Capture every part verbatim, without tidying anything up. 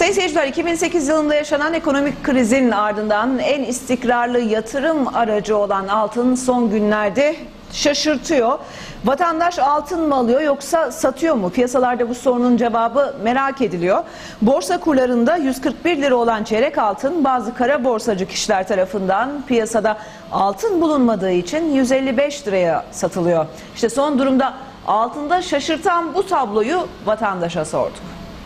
Sayın seyirciler, iki bin sekiz yılında yaşanan ekonomik krizin ardından en istikrarlı yatırım aracı olan altın son günlerde şaşırtıyor. Vatandaş altın mı alıyor yoksa satıyor mu? Piyasalarda bu sorunun cevabı merak ediliyor. Borsa kurlarında yüz kırk bir lira olan çeyrek altın bazı kara borsacı kişiler tarafından piyasada altın bulunmadığı için yüz elli beş liraya satılıyor. İşte son durumda altında şaşırtan bu tabloyu vatandaşa sorduk.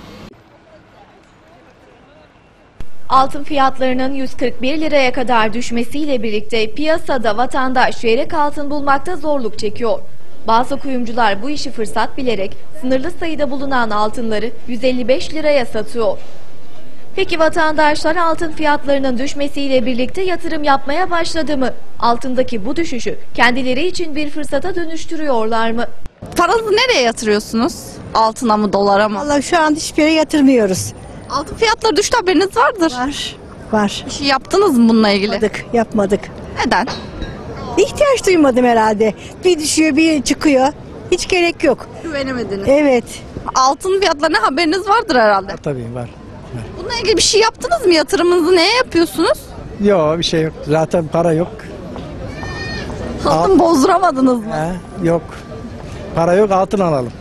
Altın fiyatlarının yüz kırk bir liraya kadar düşmesiyle birlikte piyasada vatandaş çeyrek altın bulmakta zorluk çekiyor. Bazı kuyumcular bu işi fırsat bilerek sınırlı sayıda bulunan altınları yüz elli beş liraya satıyor. Peki vatandaşlar altın fiyatlarının düşmesiyle birlikte yatırım yapmaya başladı mı? Altındaki bu düşüşü kendileri için bir fırsata dönüştürüyorlar mı? Paranızı nereye yatırıyorsunuz? Altına mı, dolara mı? Vallahi şu an hiçbir yere yatırmıyoruz. Altın fiyatları düştü, haberiniz vardır. Var. Var. Bir şey yaptınız mı bununla ilgili? Yapmadık. Yapmadık. Neden? İhtiyaç duymadım herhalde. Bir düşüyor, bir çıkıyor. Hiç gerek yok. Güvenemediniz. Evet. Altın fiyatlarına haberiniz vardır herhalde. Tabii var. Bununla ilgili bir şey yaptınız mı? Yatırımınızı neye yapıyorsunuz? Yok, bir şey yok. Zaten para yok. Altın bozduramadınız mı? He, yok. Para yok, altın alalım.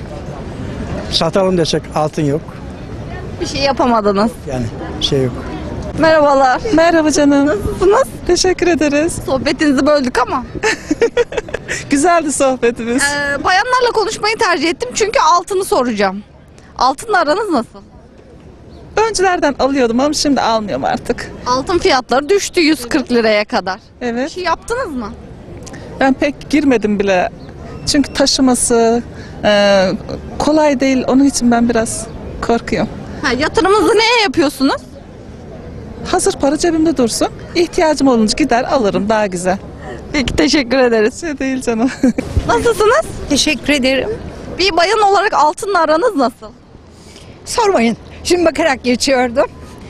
Satalım desek altın yok. Bir şey yapamadınız. Yani bir şey yok. Merhabalar. Merhaba canım. Nasılsınız? Teşekkür ederiz. Sohbetinizi böldük ama. Güzeldi sohbetimiz. Ee, bayanlarla konuşmayı tercih ettim çünkü altını soracağım. Altınla aranız nasıl? Öncülerden alıyordum ama şimdi almıyorum artık. Altın fiyatları düştü yüz kırk liraya kadar. Bir Evet. şey yaptınız mı? Ben pek girmedim bile. Çünkü taşıması e, kolay değil. Onun için ben biraz korkuyorum. Ha, yatırımınızı neye yapıyorsunuz? Hazır para cebimde dursun. İhtiyacım olunca gider alırım, daha güzel. Peki, teşekkür ederiz. Şey değil canım. Nasılsınız? Teşekkür ederim. Bir bayan olarak altınla aranız nasıl? Sormayın. Şimdi bakarak geçiyordum.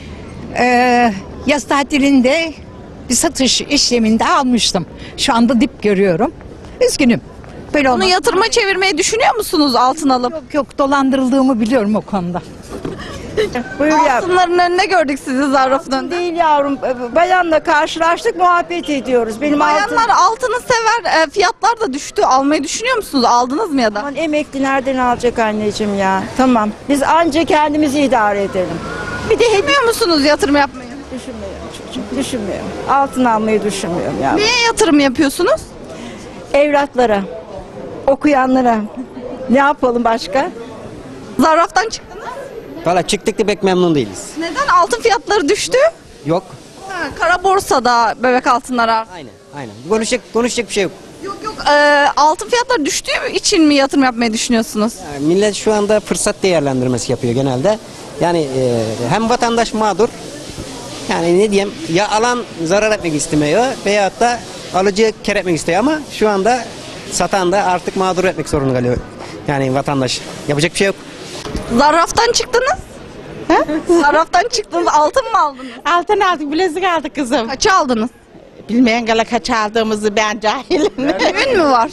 Ee, yaz tatilinde bir satış işleminde almıştım. Şu anda dip görüyorum. Üzgünüm. Böyle Bunu olmaz. yatırıma çevirmeyi düşünüyor musunuz altın alıp? Yok yok, dolandırıldığımı biliyorum o konuda. Buyur yavrum. Altınların önüne gördük sizi zarfın önünde. Değil yavrum. Bayanla karşılaştık, muhabbet ediyoruz. Benim altın... Bayanlar altını sever, e, fiyatlar da düştü. Almayı düşünüyor musunuz? Aldınız mı ya da? Aman emekli nereden alacak anneciğim ya? Tamam. Biz anca kendimizi idare edelim. Bir de hediye musunuz yatırım yapmayı? Düşünmüyorum çocuğum. Düşünmüyorum. Altın almayı düşünmüyorum yavrum. Neye yatırım yapıyorsunuz? Evlatlara, okuyanlara. Ne yapalım başka? Zarraftan çıktınız. Valla çıktık da pek memnun değiliz. Neden? Altın fiyatları düştü. Yok. Ha, kara borsada bebek altınları arttı. Aynen, aynen. Konuşacak, konuşacak bir şey yok. Yok yok. E, altın fiyatları düştüğü için mi yatırım yapmayı düşünüyorsunuz? Yani millet şu anda fırsat değerlendirmesi yapıyor genelde. Yani e, hem vatandaş mağdur, yani ne diyeyim, ya alan zarar etmek istemiyor veyahut da alıcı kar etmek istiyor ama şu anda satan da artık mağdur etmek zorunda kalıyor. Yani vatandaş. Yapacak bir şey yok. Zarraftan çıktınız. He? Zarraftan çıktınız. Altın mı aldınız? Altın aldık, bilezik aldık kızım. Kaça aldınız? Bilmeyen gala kaç aldığımızı ben cahilim. Düğün mü var?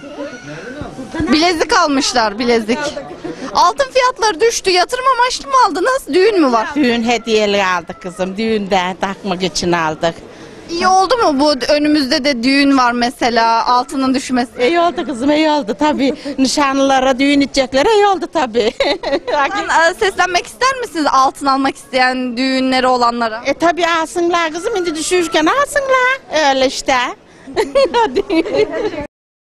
Bilezik almışlar, bilezik. Altın fiyatları düştü. Yatırım amaçlı mı aldınız? Düğün mü var? Düğün hediyeli aldık kızım. Düğünde takmak için aldık. İyi oldu mu bu? Önümüzde de düğün var mesela. Altının düşmesi. İyi oldu kızım, iyi oldu tabii. Nişanlılara, düğün edeceklere iyi oldu tabii. Buradan, e, seslenmek ister misiniz altın almak isteyen düğünleri olanlara? e tabii alsınlar kızım, şimdi düşürken alsınlar. Öyle işte. Hadi.